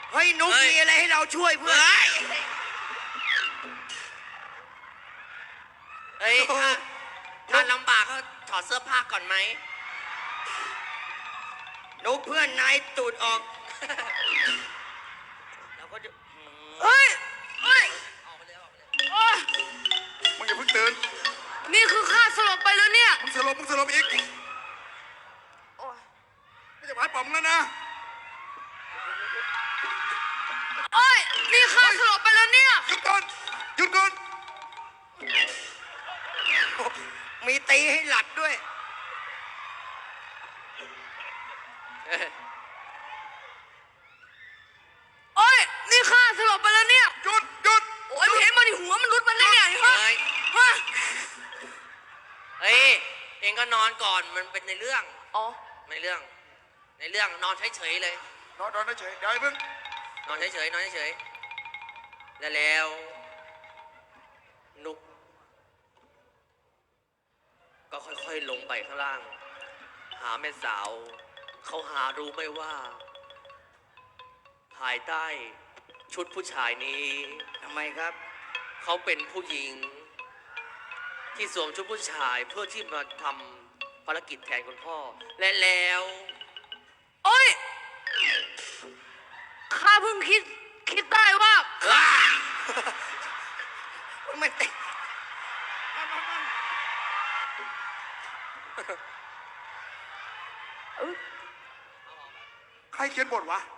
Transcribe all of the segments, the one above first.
เฮ้ยนุ๊กมีอะไรให้เราช่วยเพื่อนเฮ้ยถ้าลำบากก็ถอดเสื้อผ้าก่อนไหมนุ๊กเพื่อนนายตูดออกเราก็จะเฮ้ยเฮ้ยออกไปเลยออกไปเลยโอ๊ยมึงอย่าเพิ่งตื่นนี่คือข้าสลบไปแล้วเนี่ยมึงสลบอีกโอ๊ยไม่จะหมายป๋อมแล้วนะโอ๊ยนี่ข้าสลบไปแล้วเนี่ยหยุดก่อนหยุดก่อนมีตีให้หลัดด้วยโอ๊ยนี่ข้าสลบไปแล้วเนี่ยหยุดโอ๊ยเห็นมันหัวมันรุดมาได้ไงฮะเฮ้ยฮะเฮ้ย เองก็นอนก่อนมันเป็นในเรื่องอ๋อในเรื่องนอนเฉยๆเลยนอนเฉยเดี๋ยวไอ้มึงนอนเฉยๆแล้วนุกก็ค่อยๆลงไปข้างล่าง หาแม่สาวเขาหารู้ไหมว่า ภายใต้ชุดผู้ชายนี้ทำไมครับเขาเป็นผู้หญิง ที่สวมชุดผู้ชายเพื่อที่มาทำภารกิจแทนคุณพ่อ และแล้วโอ๊ยข้าเพิ่งคิดได้ว่ามันติดใครเขียนบทวะ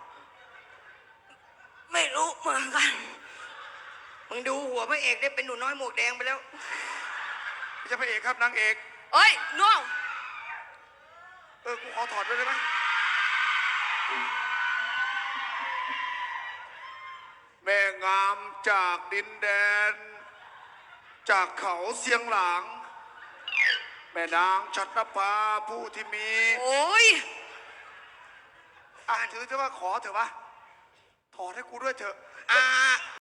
ไม่รู้เหมือนกันมึงดูหัวพระเอกได้เป็นหนูน้อยหมวกแดงไปแล้วไม่ใช่พระเอกครับนางเอกเอ้ยน้องกูขอถอดด้วยได้ไหมแม่งามจากดินแดน จากเขาเสียงหลาง แม่นางชัตรภาผู้ที่มีโอ๊ยถือเถอะว่าขอเถอะวะถอดให้กูด้วยเถอะอ่า